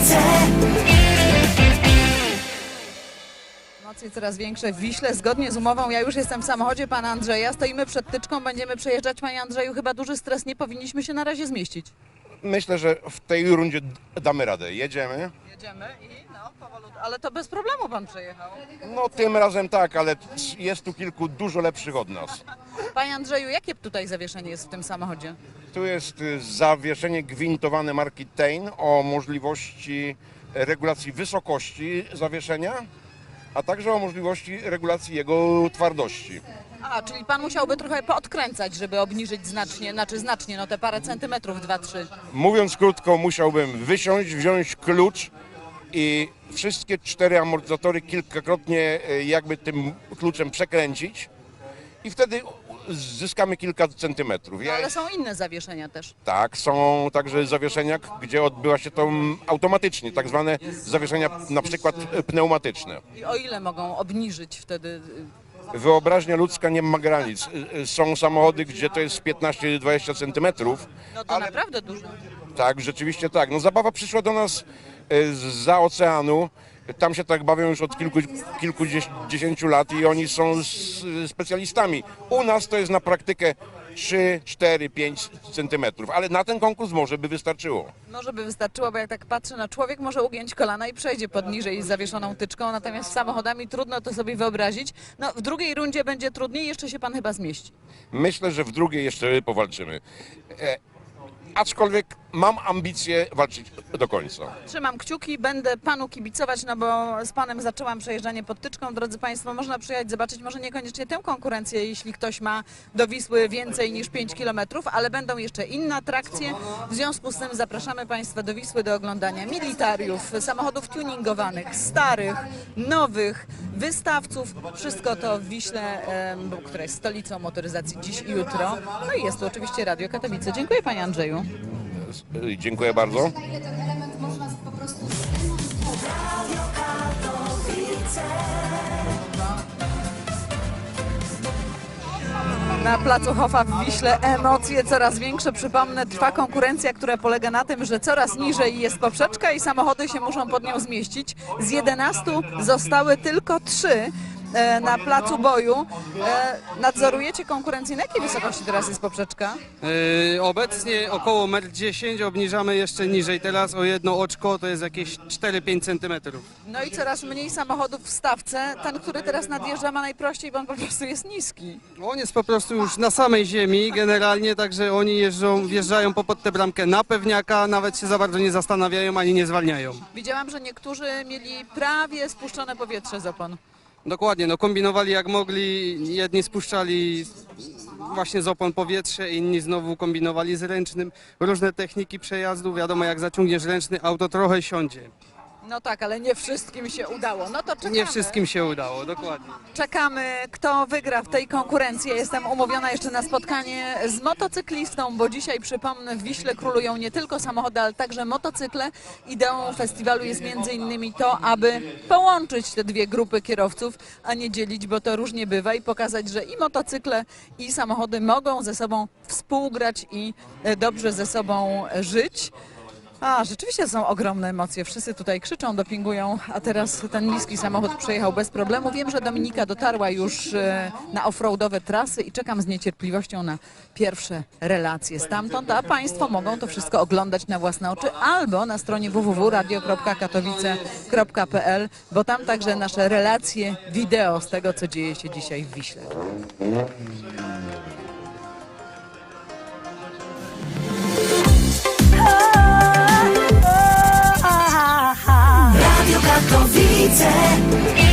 Katowice. Emocje coraz większe w Wiśle. Zgodnie z umową, ja już jestem w samochodzie pana Andrzeja. Stoimy przed tyczką, będziemy przejeżdżać. Panie Andrzeju, chyba duży stres, nie powinniśmy się na razie zmieścić. Myślę, że w tej rundzie damy radę. Jedziemy. Jedziemy i powolutku. Ale to bez problemu pan przejechał. No tym razem tak, ale jest tu kilku dużo lepszych od nas. Panie Andrzeju, jakie tutaj zawieszenie jest w tym samochodzie? Tu jest zawieszenie gwintowane marki Tein o możliwości regulacji wysokości zawieszenia, a także o możliwości regulacji jego twardości. A, czyli pan musiałby trochę poodkręcać, żeby obniżyć znacznie, no te parę centymetrów, 2-3. Mówiąc krótko, musiałbym wysiąść, wziąć klucz i wszystkie 4 amortyzatory kilkakrotnie jakby tym kluczem przekręcić i wtedy zyskamy kilka centymetrów. No, ale są inne zawieszenia też. Tak, są także zawieszenia, gdzie odbywa się to automatycznie, tak zwane zawieszenia na przykład pneumatyczne. I o ile mogą obniżyć wtedy? Wyobraźnia ludzka nie ma granic. Są samochody, gdzie to jest 15-20 centymetrów. No to naprawdę dużo. Tak, rzeczywiście tak. No zabawa przyszła do nas zza oceanu. Tam się tak bawią już od kilkudziesięciu lat i oni są specjalistami. U nas to jest na praktykę 3, 4, 5 centymetrów, ale na ten konkurs może by wystarczyło. Może by wystarczyło, bo jak tak patrzę na człowiek, może ugiąć kolana i przejdzie pod niżej z zawieszoną tyczką, natomiast z samochodami trudno to sobie wyobrazić. No w drugiej rundzie będzie trudniej, jeszcze się pan chyba zmieści. Myślę, że w drugiej jeszcze powalczymy. Aczkolwiek mam ambicje walczyć do końca. Trzymam kciuki, będę panu kibicować, no bo z panem zaczęłam przejeżdżanie pod tyczką. Drodzy państwo, można przyjechać, zobaczyć może niekoniecznie tę konkurencję, jeśli ktoś ma do Wisły więcej niż 5 km, ale będą jeszcze inne atrakcje. W związku z tym zapraszamy państwa do Wisły do oglądania militariów, samochodów tuningowanych, starych, nowych, wystawców. Wszystko to w Wiśle, która jest stolicą motoryzacji dziś i jutro. No i jest tu oczywiście Radio Katowice. Dziękuję panie Andrzeju. Dziękuję bardzo. Na ile ten element można po prostu Na placu Hofa w Wiśle emocje coraz większe. Przypomnę, trwa konkurencja, która polega na tym, że coraz niżej jest poprzeczka i samochody się muszą pod nią zmieścić. Z 11 zostały tylko 3 na placu boju. Nadzorujecie konkurencję. Na jakiej wysokości teraz jest poprzeczka? Obecnie około 1,10 m, obniżamy jeszcze niżej. Teraz o jedno oczko to jest jakieś 4-5 cm. No i coraz mniej samochodów w stawce. Ten, który teraz nadjeżdża, ma najprościej, bo on po prostu jest niski. On jest po prostu już na samej ziemi generalnie, także oni wjeżdżają pod tę bramkę na pewniaka, nawet się za bardzo nie zastanawiają ani nie zwalniają. Widziałam, że niektórzy mieli prawie spuszczone powietrze z opon. Dokładnie, no kombinowali jak mogli, jedni spuszczali właśnie z opon powietrze, inni znowu kombinowali z ręcznym. Różne techniki przejazdu, wiadomo jak zaciągniesz ręczny, auto trochę siądzie. No tak, ale nie wszystkim się udało. No to czekamy. Nie wszystkim się udało, dokładnie. Czekamy, kto wygra w tej konkurencji. Jestem umówiona jeszcze na spotkanie z motocyklistą, bo dzisiaj, przypomnę, w Wiśle królują nie tylko samochody, ale także motocykle. Ideą festiwalu jest między innymi to, aby połączyć te dwie grupy kierowców, a nie dzielić, bo to różnie bywa i pokazać, że i motocykle, i samochody mogą ze sobą współgrać i dobrze ze sobą żyć. A, rzeczywiście są ogromne emocje. Wszyscy tutaj krzyczą, dopingują, a teraz ten niski samochód przejechał bez problemu. Wiem, że Dominika dotarła już na offroadowe trasy i czekam z niecierpliwością na pierwsze relacje stamtąd, a państwo mogą to wszystko oglądać na własne oczy albo na stronie www.radio.katowice.pl, bo tam także nasze relacje wideo z tego, co dzieje się dzisiaj w Wiśle. Radio Katowice.